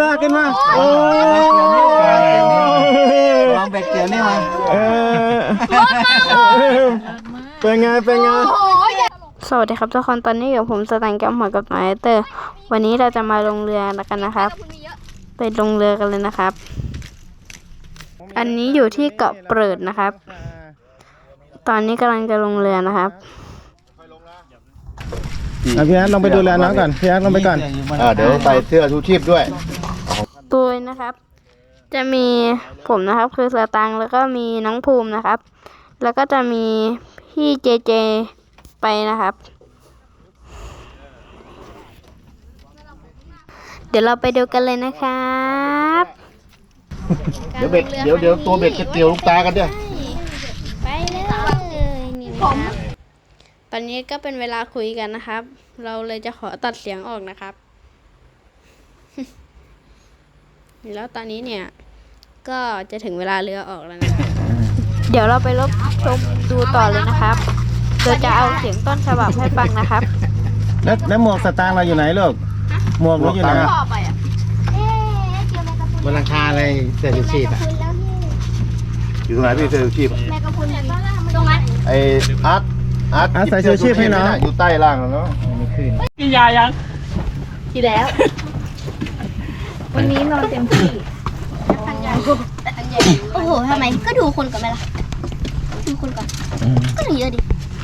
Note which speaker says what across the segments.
Speaker 1: ขึ้นมาโอ้
Speaker 2: ลองเบ็ดเกี่ยวนี่มา
Speaker 1: เป็นไง
Speaker 3: สวัสดีครับทุกคนตอนนี้กับผมสแตนแกมหัวกับนายเตอร์วันนี้เราจะมาลงเรือกันนะครับไปลงเรือกันเลยนะครับ อันนี้อยู่ที่เกาะเปิดนะครับ ตอนนี้กำลังจะลงเรือนะครับ
Speaker 1: พี่อาร์ตลองไปดูแลน้องก่อนพี่อาร์ตลองไปก่อน
Speaker 2: เดี๋ยวใส่เสื้อชูชีพด้วย
Speaker 3: ตัวนะครับ จะมีผมนะครับคือสตังแล้วก็มีน้องภูมินะครับ แล้วก็จะมีพี่เจไปนะครับ เดี๋ยวเราไปดูกันเลยนะครับ
Speaker 2: เดี๋ยวตัวเบ็ดจะเกี่ยวลูกตากันด้วย
Speaker 3: ไปเลยนี่นะครับตอนนี้ก็เป็นเวลาคุยกันนะครับ เราเลยจะขอตัดเสียงออกนะครับแล้วตอนนี้เนี่ยก็จะถึงเวลาเรือออกแล้วนะเดี๋ยวเราไปรับชมดูต่อเลยนะครับโดยจะเอาเสียงต้นฉบับให้ฟังนะครับ
Speaker 1: แล้วหมวกสตางค์เราอยู่ไหนลูกหมวกเราอยู่ไหน
Speaker 2: บนหลังคาอะไรเสื้อชูชีพอยู่ตรงไหนพี่เสื้อชูชีพ
Speaker 4: ตรงนั้น
Speaker 2: ไออาร์ต
Speaker 1: ใส่ชูชีพให้น้อง
Speaker 2: อยู่ใต้ล่างแล้วเนาะไม่ขึ้น
Speaker 4: กินยายังกินแล้ววันนี้นอนเต็มที่โอ้โหทำไมก็ดูคนก่อนไหมล่ะดูคนก่อนก็ถึงเยอะดิ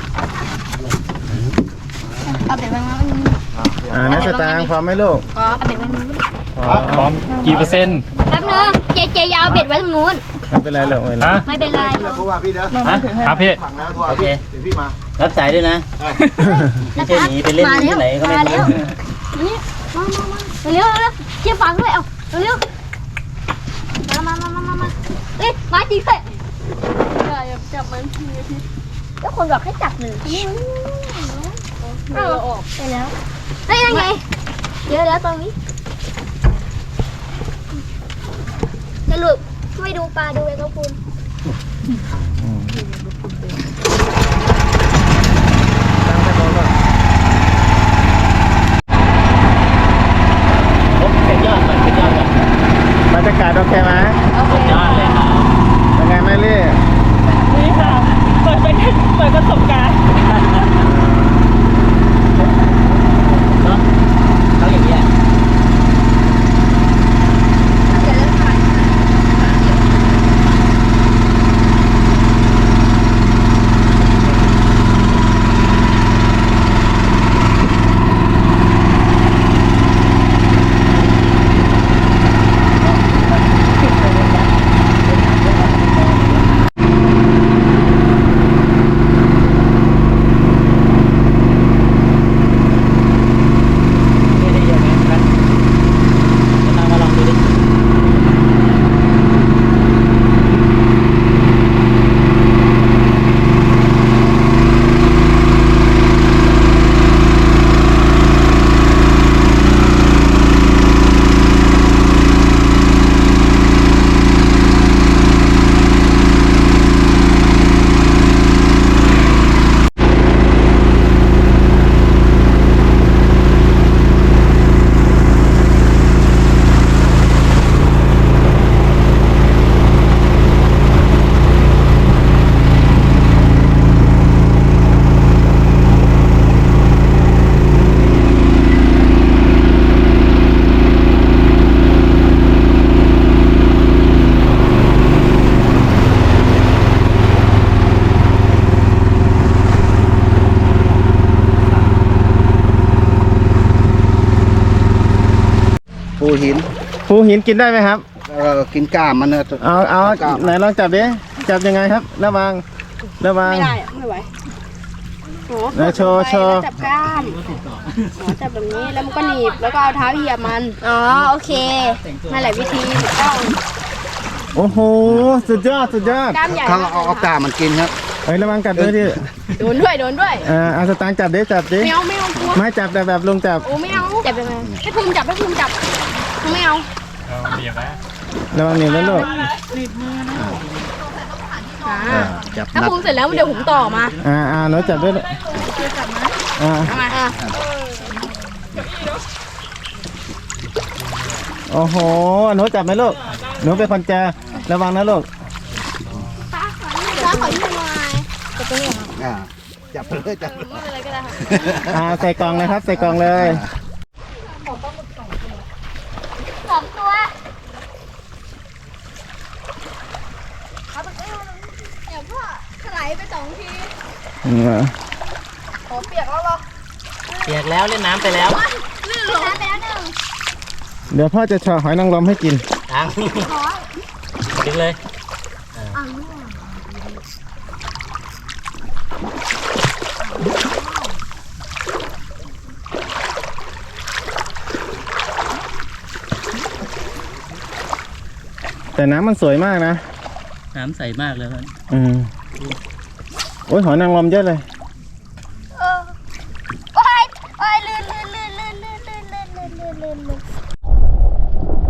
Speaker 4: เอาเบ็ดไว้มา
Speaker 1: นักสตางค์พร้อมไหมลูก
Speaker 4: เอาเบ็ดไว้นู้น
Speaker 5: พร้อมกี่เปอร์เซ็นต์
Speaker 4: แป๊บนึงเจยาวเบ็ดไว้ตรงนู้น
Speaker 1: ไม่เป็นไรหรอก
Speaker 4: ไม่เป็นไร
Speaker 2: เพราะว่าพี่เด้อ
Speaker 5: ครับพี่
Speaker 2: โอเคเดี๋ยวพี่มา
Speaker 6: รับสายด้วยนะไม่ใช่หนีไปเล่นที่ไหนก็ไม่รู้
Speaker 4: นี่มาเร็วเชี่ยฟังด้วยเอาเร็วมาเอ้ยมาจริงเลยอย่าจับมันแล้วคนบอกให้จับหนึ่งเราออกไปแล้วได้ยังไงเยอะแล้วตรงนี้สรุปไม่ดูปลาดูแมงกะพรุน
Speaker 1: บรรยากาศโอเคไหม
Speaker 5: สุดยอดเลยครับ
Speaker 1: เป็นไงแม่ลี่
Speaker 7: นี่ค่ะเปิดประสบการณ์
Speaker 6: เขาอย่างเงี้ย
Speaker 2: ปูหิน
Speaker 1: กินได้ไหมครับ
Speaker 2: กินก้ามมันเนอะ
Speaker 1: เอาไหนลองจับดิจับยังไงครับระวัง
Speaker 7: ไม่ได้ไม่ไหว
Speaker 1: โชว์
Speaker 7: จับกล้ามจับแบบนี้แล้วมันก็หนีบแล้วก็เอาเท้าเหยียบมัน
Speaker 4: โอเค
Speaker 7: นั่นแหละวิธีถูกต้อง
Speaker 1: โอ้โหสุดยอด
Speaker 7: กล้ามใหญ่
Speaker 2: ถ้าเราเอาก้ามมันกินครับ
Speaker 1: ระวังกัดด้วยดิ
Speaker 7: โดนด้วย
Speaker 1: เอาสตางค์จับดิ
Speaker 7: ไม่เอากลัว
Speaker 1: ไม่จับแต่แบบลงจับ
Speaker 7: โอ้ไม่เอาจับยังไงให้ภูมิจับไม่เอา
Speaker 5: เบียบแล้ว
Speaker 1: ระวังหนีบนะลูก
Speaker 7: ถ้าภูมิเสร็จแล้วเดี๋ยวผมต่อมา
Speaker 1: หนูจับด้วยโอ้โหหนูจับไหมลูกหนูเป็นคนเจอระวังนะลูก
Speaker 7: ป้าขอยืมหน่อย
Speaker 2: จับไปเลยจับ
Speaker 7: ไม่เป็นไรก็ได้ค่ะ
Speaker 1: ใส่กล่องเลยครับ ใส่กล่องเลย
Speaker 4: สองตัว
Speaker 7: เดี๋ยวพ่อถลายไป2 ที
Speaker 6: เปียกแล้วเล่นน้ำไปแล้ว
Speaker 4: น้ำไปแล้วหนึ่ง
Speaker 1: เดี๋ยวพ่อจะเฉาะหอยนางรมให้กิน
Speaker 6: ตังดึงเลย
Speaker 1: แต่น้ำมันสวยมากนะ
Speaker 6: น้ำใสมากเลยครับ
Speaker 1: โอ้ยหอยนางรมเยอะเลย
Speaker 4: โอ้ยโอ้ยลื่นลื่นลื่นลื่นลื่นลื่นลื่นลื่นลื่นลื่นลื่น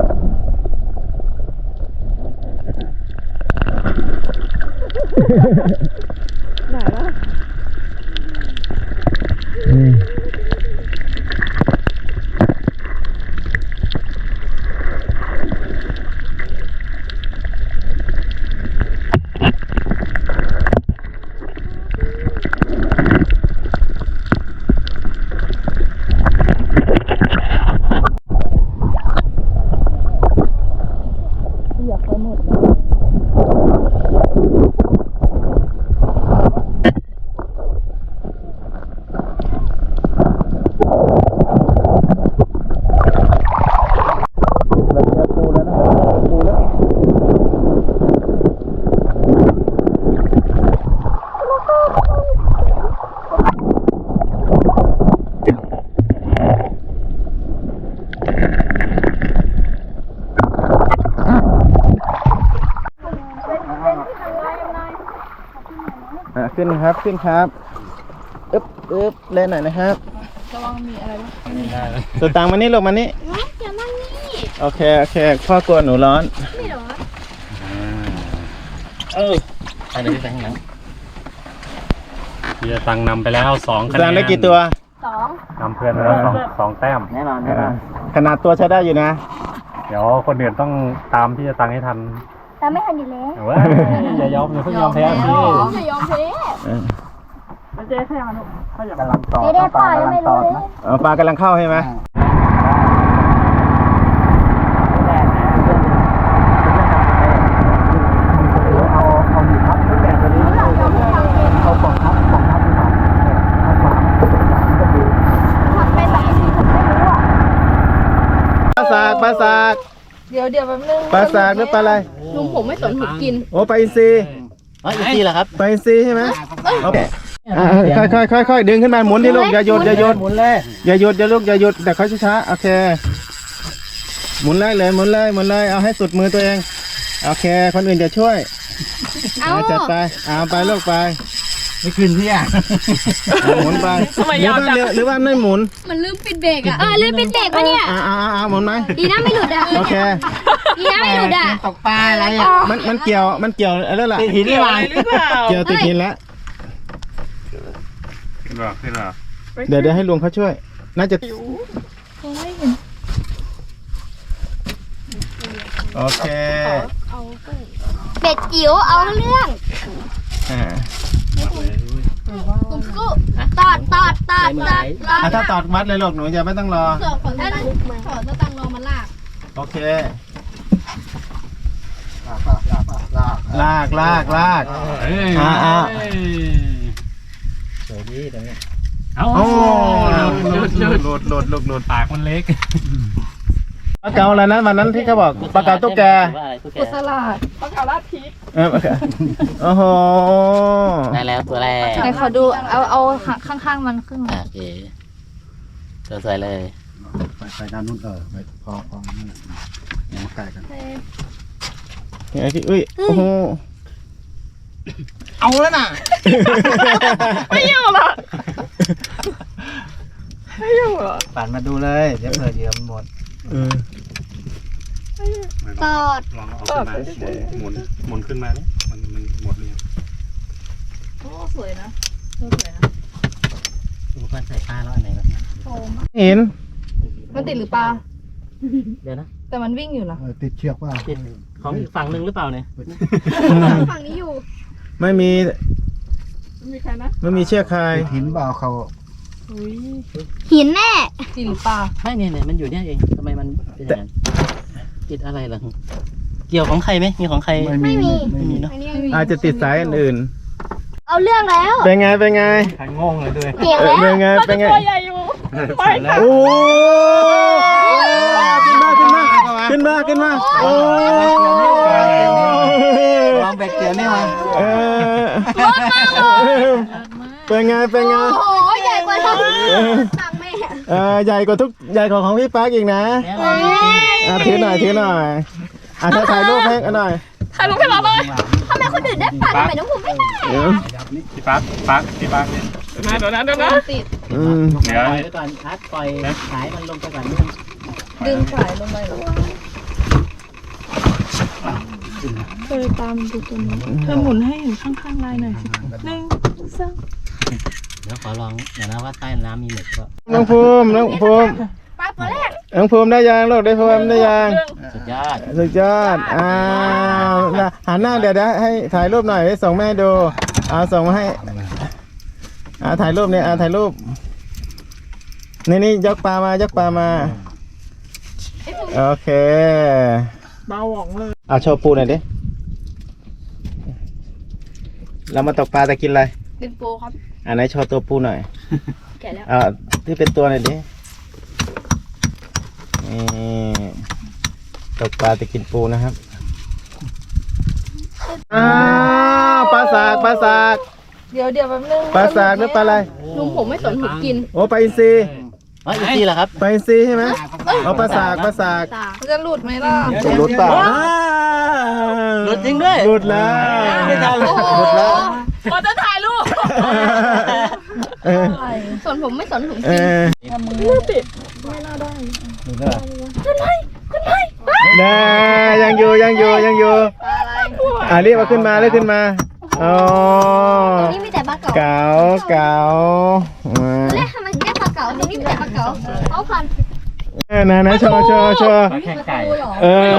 Speaker 1: ขึ้นครับขึ้นครับอึ๊บอึ๊บเล่นหน่อยนะครับตัวตังมานี่ลงมานี่
Speaker 7: เดี๋ยวนั่งนี่
Speaker 1: โอเคโอเคพ่อกลัวหนูร้อน
Speaker 7: ไม่หรอ
Speaker 6: ไปเลยพี่แบงค์หลัง
Speaker 5: พี่จะตังนำไปแล้ว2 คะแน
Speaker 1: ตัง
Speaker 5: น
Speaker 1: ได้กี่ตัว
Speaker 5: นำเพื่อนไปแล้วสองแต้ม
Speaker 6: แน่นอนแน่นอน
Speaker 1: ขนาดตัวใช้ได้อยู่นะ
Speaker 5: เดี๋ยวคนอื่นต้องตามพี่จะตังให้ทัน
Speaker 4: แต่ไม่ทันอยู่แล้ว
Speaker 5: แต่ว่าอย่ายอมอย่าเพิ่งยอมแพ้พี่
Speaker 7: อย่ายอมแพ้
Speaker 2: กำลังต่อ
Speaker 4: ไม่ได้ป่ายังไม่รู้เลย
Speaker 1: ปลากำลังเข้าใช่ไหม
Speaker 2: เอาหนีพับทุกแบบตัวนี้เอาปล่องทับดีกว่าทับขวาก็ดี
Speaker 7: ทำไปหลายทีผมไม่รู้อ่ะ
Speaker 1: ปลาสากปลาสาก
Speaker 7: เดี๋ยวแป๊บนึง
Speaker 1: ปลาสากหรือปลาอะไร
Speaker 7: ลุงผมไม่สนผมกิน
Speaker 1: โอ้ปลาอินทรี
Speaker 6: อีกทีเหรอครับ
Speaker 1: ปลาอินทรีใช่ไหมค่อยดึงขึ้นมาหมุนที่ลูกอย่าหยุดอย่าหยุด
Speaker 2: หมุนเลย
Speaker 1: อย่าหยุดอย่าลูกอย่าหยุดแต่ค่อยช้าๆโอเคหมุนเลยหมุนเลยเอาให้สุดมือตัวเองโอเคคนอื่นจะช่วยจัดไปเอาไปลูกไป
Speaker 2: ไม่ขึ้นพี่อ่ะ
Speaker 1: หมุนไปหรือว่าไม่หมุน
Speaker 7: มันลืมปิดเบรกอ่ะ
Speaker 4: ลืมปิดเบรกปะเนี่ย
Speaker 1: หมุนไหม
Speaker 4: ดีนะไม่หลุดอ่ะ
Speaker 1: โอเค
Speaker 4: ดีนะไม่หลุดอ่ะ
Speaker 2: ตกปลาอะไรอ่ะ
Speaker 1: มันเกี่ยวอะไรล่ะ
Speaker 2: ติดหินนี่มา
Speaker 1: เกี่ยวติดหินแล้ว
Speaker 5: ขึ้นหรอ
Speaker 1: เดี๋ยวให้ลุงเขาช่วยน่าจะโอเค
Speaker 4: เป็ดจิ๋วเอาเรื่อง
Speaker 7: ผมสู้
Speaker 4: ตอด
Speaker 1: ถ้าตอดวัดเลยลูกหนูจะไม่ต้องรอ
Speaker 7: เสือกขอสตังค์รอมาลาก
Speaker 1: โอเค
Speaker 2: ลาก
Speaker 1: ลาก
Speaker 2: สวยดีตรงนี้
Speaker 5: เอา
Speaker 1: โอ้
Speaker 5: หลุดปากมันเล็ก
Speaker 1: ปลาเก๋าอะไรนะวันนั้นที่เขาบอกปลาเก๋าตุ๊กแก
Speaker 7: กุศลาดปลาเก๋าลาดพริก
Speaker 1: โอ้โห
Speaker 6: ได้แล้วตัวแรก
Speaker 7: ไหนขอดูเอาข้างๆมันขึ้นมา
Speaker 6: โอเคตัวสวยเลย
Speaker 2: ไปด้านนู้นไปพอยังมาใกล้กัน
Speaker 1: ไอ้ที่อุ้ยโอ้โห
Speaker 2: เอาแล้วน่ะ
Speaker 7: ไม่อยู่หรอ
Speaker 2: ปั่นมาดูเลยเดี๋ยวเผื่อเหยื่อมันหมด
Speaker 4: ตอด
Speaker 5: ลองเอาขึ้นมาหมุนขึ้นมาเนี่ยมันหมดเลย
Speaker 7: โอ้สวยนะสวยนะ
Speaker 6: อุปกรณ์ใส่ปลาแล้วอันไหนแบบนี้
Speaker 1: เห็น
Speaker 7: มันติดหรือปลา
Speaker 6: เดี๋ยวนะ
Speaker 7: แต่มันวิ่งอยู่นะ
Speaker 2: ติดเชือกว่า
Speaker 6: ติดของอีกฝั่งหนึ่งหรือเปล่าเนี่ย
Speaker 7: ฝั่งนี้อยู่
Speaker 1: ไม่มี
Speaker 7: มีใครนะ
Speaker 1: ไม่มีเชือกคาย
Speaker 2: ติดหินเปล่าเขา
Speaker 4: หินแน่
Speaker 7: จริงหรือเปล่า
Speaker 6: ไม่เนี่ยมันอยู่เนี่ยเองทำไมมันเป็นอย่างนั้นติดอะไรล่ะเกี่ยวของใครไหมมีของใคร
Speaker 2: ไม่มี
Speaker 6: ไม่มีเนาะ
Speaker 7: อันนี้ยังมี
Speaker 1: อาจจะติดสายอื่น
Speaker 4: เอาเรื่องแล้ว
Speaker 1: ๆเป็นไงเป็นไง
Speaker 5: ใครงงเลยด้วย
Speaker 4: เก่งแล้ว
Speaker 1: เป็นไงเป็นไง
Speaker 7: ตัวใหญ่อยู่ ไปค่ะ
Speaker 1: โอ้ขึ้นมาขึ้นมาโอ้
Speaker 2: วางแบกเกียร์นี่มา
Speaker 1: เออเป็นไงเป็นไง
Speaker 4: โอ้โหใหญ่กว่าทั้งตังแม่
Speaker 1: ใหญ่กว่าใหญ่กว่าของพี่ปั๊กอีกนะ ถือหน่อยถือหน่อยถ่ายรูปให้กันหน่อย
Speaker 7: ถ่ายรูปให้เราเลย
Speaker 4: ทำไมคนอื่นได้ปากทำไมน้องผมไม่ได้
Speaker 5: พี่ปั๊กเนี่ย
Speaker 7: เดี๋ยวนะติด
Speaker 1: อืม
Speaker 5: เดี๋ยว
Speaker 6: ปล่อยไว้ก่อนคัดปล่อยสายมันลงไปก่อนนิดนึง
Speaker 7: ดึงสายลงไปเหรอเคยตามดูตัวนี้เธอหมุนให้เห็นข้างๆลายหน่อยสิ1 2
Speaker 6: เดี๋ยวขอลองเดี๋ยวนะว่าใต้น้ำมีหมึกก็
Speaker 1: น้องภูมิน้องภูมิ
Speaker 4: ปากตัวแรก
Speaker 1: น้องภูมิได้ยังลูกได้ภูมิได้ยัง
Speaker 6: สุดยอด
Speaker 1: สุดยอดหันหน้าเดี๋ยวให้ถ่ายรูปหน่อยให้ส่งแม่ดูส่งมาให้ถ่ายรูปเนี่ยถ่ายรูปนี่ยกปลามายกปลามาโอเค
Speaker 7: เบาหว่องเลย
Speaker 1: โชว์ปูหน่อยดิเรามาตกปลาแต่กินอะไร
Speaker 7: เป็นโปรครับ
Speaker 1: ไหนโชว์ตัวปูหน่อย
Speaker 7: แกะแล้ว
Speaker 1: ที่เป็นตัวหน่อยดินี่ตกปลาแต่กินปูนะครับปลาสากปลาสาก
Speaker 7: เดี๋ยวแป๊บนึง
Speaker 1: ปลาสากหรือปลาอะไร
Speaker 7: ลุงผมไม่สนผมกิน
Speaker 1: โอ้ปลาอินทรี
Speaker 6: อ๋ออีกทีเหรอครับ
Speaker 1: ปลาอินทรีใช่ไหมปลาสากปลาสาก
Speaker 7: มันจะหลุดไหมล่ะ
Speaker 1: จะหลุดเปล่า
Speaker 6: หลุดจริงด้วย
Speaker 1: หลุดแล้ว
Speaker 6: ไม่ทันเลย
Speaker 1: หลุดแล้ว
Speaker 7: พอจะถ่ายรูป
Speaker 1: เออ
Speaker 7: สนผมไม่สนผม
Speaker 1: เออ
Speaker 7: ติด
Speaker 1: ได้ยังอยู่ยังอยู่ยังอยู่
Speaker 7: อะไร
Speaker 1: เรียกมาขึ้นมาเรียกขึ้นมาอ๋อ
Speaker 4: ตรงนี้มีแต่ปลาเก๋า
Speaker 1: เก๋ามา
Speaker 4: เรียกทำไมถึงเรียกปลาเก๋าตรงนี้มีแต่ปลาเก๋าเอาพัน
Speaker 1: นะโชว์
Speaker 6: แค่ไก่
Speaker 1: เออ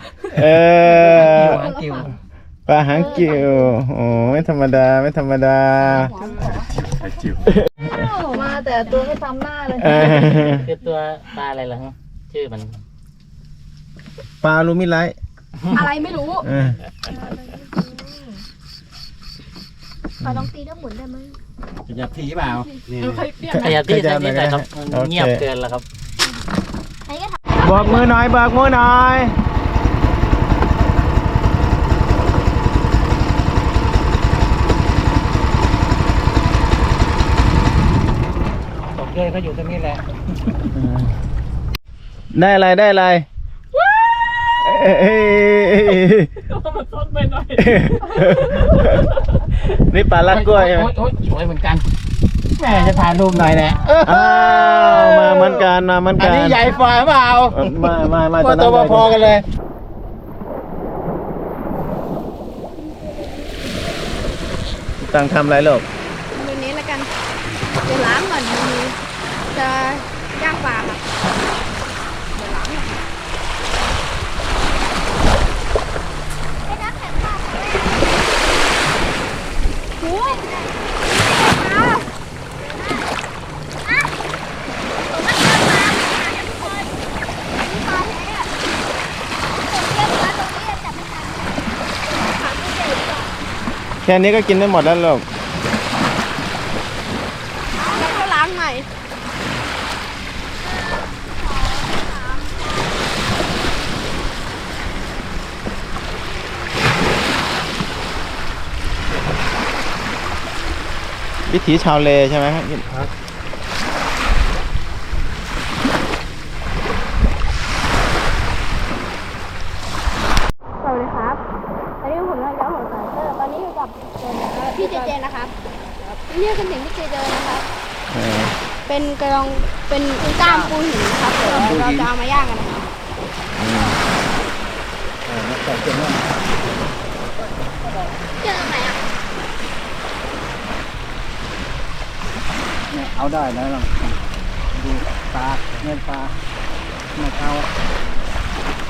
Speaker 6: กิว
Speaker 1: ปลาหางกิ่วโอ้ไม่ธรรมดาไม่ธรรมดา
Speaker 5: ไข่จิ๋ว
Speaker 7: มาแต่ตัวไม่ซ้ำหน้าเลย
Speaker 6: คือตัวปลาอะไรล่ะฮะชื่อมัน
Speaker 1: ปลาลูมิไลท์
Speaker 7: อะไรไม่รู้
Speaker 4: ปลาลองตีแล้วหมุนได้ไหม
Speaker 6: จะผีเปล่า
Speaker 7: เคยเปลี่ยน
Speaker 6: ขยับที่ทางนี้หน่อยครับมันเงียบเกินแล้วครับ
Speaker 4: ใครก็ทำ
Speaker 1: บอกมือหน่อยบอกมือหน่อย
Speaker 6: ตกเลยก็อยู่ตรงนี้แหละ
Speaker 1: ได้อะไรได้อะไรเอ้ย
Speaker 7: มันซ้อนไปหน่อย
Speaker 1: นี่ปลาลัดกล้วยใช่ไหม
Speaker 6: โอ๊ยสวยเหมือนกันแม่จะถ่ายรูปหน่อยแหละ
Speaker 1: มาเหมือนกันมาเหมือน
Speaker 6: อั
Speaker 1: กัน น
Speaker 6: นี้ใหญ่กว่าเปล่า
Speaker 1: มา
Speaker 6: ก็ตัวพอๆกันเลย
Speaker 1: ตั้งทำอะไรลูก
Speaker 7: ดูนี้แล้วกันเดี๋ยวล้างก่อนมือจะย่างปลาค่ะเดี๋ยวล้างก่อนโอ้ย
Speaker 1: แค่นี้ก็กินได้หมดแล้วลูก
Speaker 7: แล้วก็ล้างใหม่
Speaker 1: วิถีชาวเลใช่ไหมครับ
Speaker 7: สวัสดีครับตอนนี้ผมนายกของสายเตอร์ตอนนี้อยู่กับพี่เจเจนะครับเรียกกันถึงพี่เจเจนะครับ เป็นกระดองเป็นกล้ามปูหินนะครับเดี๋ยวเราจะเอามาย่างกันนะครับ
Speaker 4: เจอไหนอ่ะ
Speaker 2: เอาได้แล้วลองดูปลาเงินปลาไม่เอา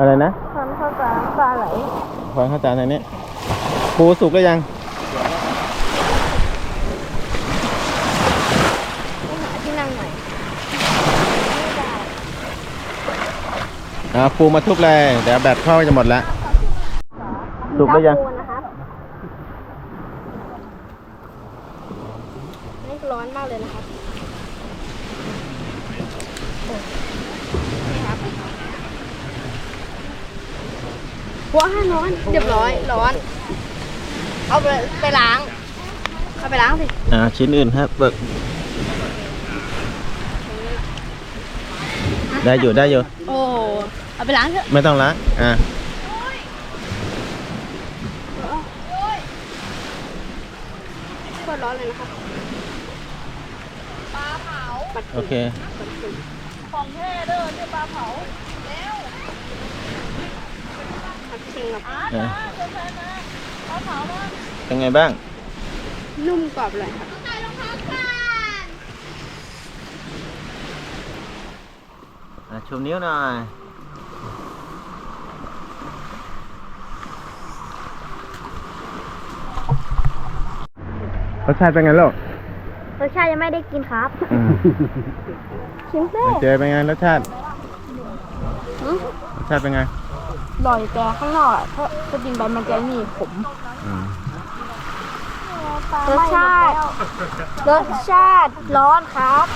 Speaker 1: อะไรนะ
Speaker 7: ทอนข้าวสารปลาไหล
Speaker 1: ขอข้าวจานทางนี้ปูสุกหรือยัง
Speaker 7: ไปหาที่นั่งหน่อย
Speaker 1: ปูมาทุบเลยเดี๋ยวแบตเข้าจะหมดแล้วสุกหรือยัง
Speaker 7: ปูนะครับนี่ร้อนมากเลยนะครับว้าร้อนเรียบร้อยร้อน เอาไปล้างเอาไปล้างสิ
Speaker 1: ชิ้นอื่นครับเบิกได้อยู่ได้อยู่
Speaker 7: โอ้เอาไปล้างเถอะ
Speaker 1: ไม่ต้องละ
Speaker 7: โคตรร้อนเลยนะครับปลาเผา
Speaker 1: โอเค
Speaker 7: ของแท้เด้อเนี่ยปลาเผาแล้วผัดชิงกับ
Speaker 1: เป็นไงบ้าง
Speaker 7: นุ่มกรอบเลยครับ
Speaker 1: ชูนิ้วหน่อยรสชาติเป็นไงลูก
Speaker 7: รสชาติยังไม่ได้กินครับชิมเต้
Speaker 1: เจเป็นไงรสชาติรสชาติเป็นไง
Speaker 7: อร่อยแต่ข้างนอกถ้ากินไปมันจะมีขมรสชาติร้อนครับ